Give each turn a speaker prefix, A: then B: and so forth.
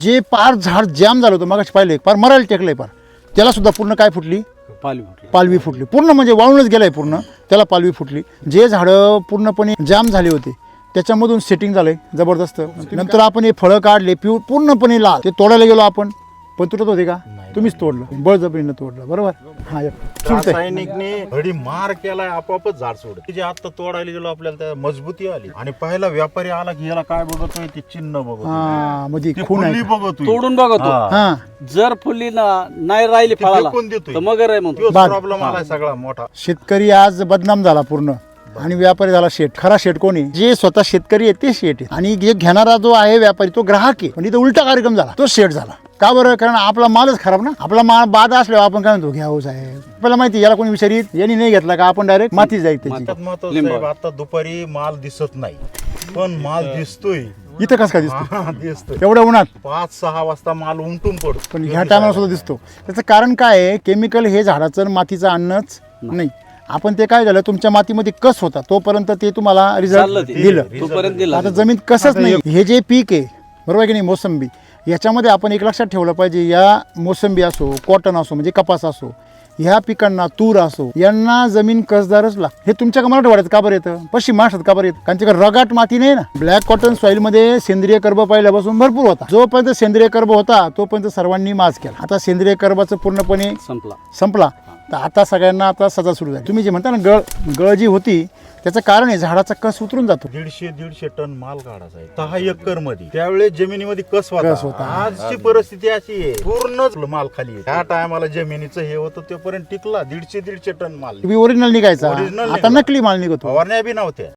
A: जे पार झाड जॅम झालं होतं मगाशी पाहिले पार मरायला टेकलंय पार, त्याला सुद्धा पूर्ण काय फुटली, पालवी फुटली, पूर्ण म्हणजे वाळूनच गेलाय पूर्ण, त्याला पालवी फुटली. जे झाडं पूर्णपणे जाम झाले होते त्याच्यामधून सेटिंग झालंय जबरदस्त. नंतर आपण हे फळं काढले पूर्णपणे लाल, ते तोडायला गेलो आपण पण तुटत होते का, तुम्हीच तोडलं, बळजबरीनं तोडलं, बरोबर. हा
B: रासायनिकने घडी मार केलाय, आपोआपच झाड सोडत. जे आता तोडायला गेलो आपल्याला त्या मजबूती आली, आणि पहिला व्यापारी आला की याला काय बघतोय, ते चिन्ह बघतो,
A: म्हणजे खून आहे,
B: बघतोय,
C: तोडून बघतो.
A: हा
C: जर फुली नाही राहिली फळाला तर मगर आहे म्हणतो.
B: प्रॉब्लेम आलाय सगळा मोठा.
A: शेतकरी आज बदनाम झाला पूर्ण आणि व्यापारी झाला शेठ. खरा शेठ कोणी, जे स्वतः शेतकरी आहे ते शेठ आहे, आणि जे घेणारा जो आहे व्यापारी तो ग्राहक आहे. पण इथं उलटा कार्यक्रम झाला, तो शेठ झाला. का बरं, कारण आपला मालच खराब ना. आपला माल बाद असल्यावर आपण काय म्हणतो, घ्या हो साहेब, आपल्याला माहिती याला कोणी विचारित, यांनी नाही घेतला का आपण डायरेक्ट माती जाईल त्याची.
B: साहेब आता दुपारी माल दिसत नाही पण माल दिसतोय.
A: इथं कसं काय दिसतो,
B: दिसतोय
A: एवढ्या उन्हात
B: 5-6 वाजता माल उमटून पडतो,
A: पण ह्या टायमाला सुद्धा दिसतो. त्याचं कारण काय आहे, केमिकल हे झाडाचं आणि मातीचं अन्नच नाही. आपण ते काय झालं, तुमच्या मातीमध्ये कस होता तोपर्यंत ते तुम्हाला रिझल्ट दिलं. आता जमीन कसंच नाही. हे जे पीक आहे बरोबर की नाही, मोसंबी, याच्यामध्ये आपण एक लक्षात ठेवलं पाहिजे, या मोसंबी असो, कॉटन असो म्हणजे कपास असो, ह्या पिकांना, तूर असो, यांना जमीन कसदारच लागते. हे तुमच्या मराठवाड्यात का बरं येतं, पश्चिम महाराष्ट्रात का बरं येतं, कारण तिकडे रगाट माती नाही ना. ब्लॅक कॉटन सॉइल मध्ये सेंद्रिय कर्ब पहिल्यापासून भरपूर होता. जोपर्यंत सेंद्रिय कर्ब होता तोपर्यंत सर्वांनी माज केला. आता सेंद्रिय कर्बाचं पूर्णपणे संपला, तर आता सगळ्यांना आता सजा सुरू झाली. तुम्ही जे म्हणता ना गळ जी होती, त्याचं कारण आहे झाडाचा कस उतरून जातो.
B: 150 टन माल काढायचा आहे 6 एकर मध्ये. त्यावेळेस जमिनीमध्ये कस होता. आजची परिस्थिती अशी आहे, पूर्णच माल खाली आहे. त्या टायमाला जमिनीचं हे होतं तोपर्यंत टिकला 150 टन माल
A: ओरिजिनल निघायचा, आता नकली माल निघतो.
B: फवारण्या बी नव्हत्या.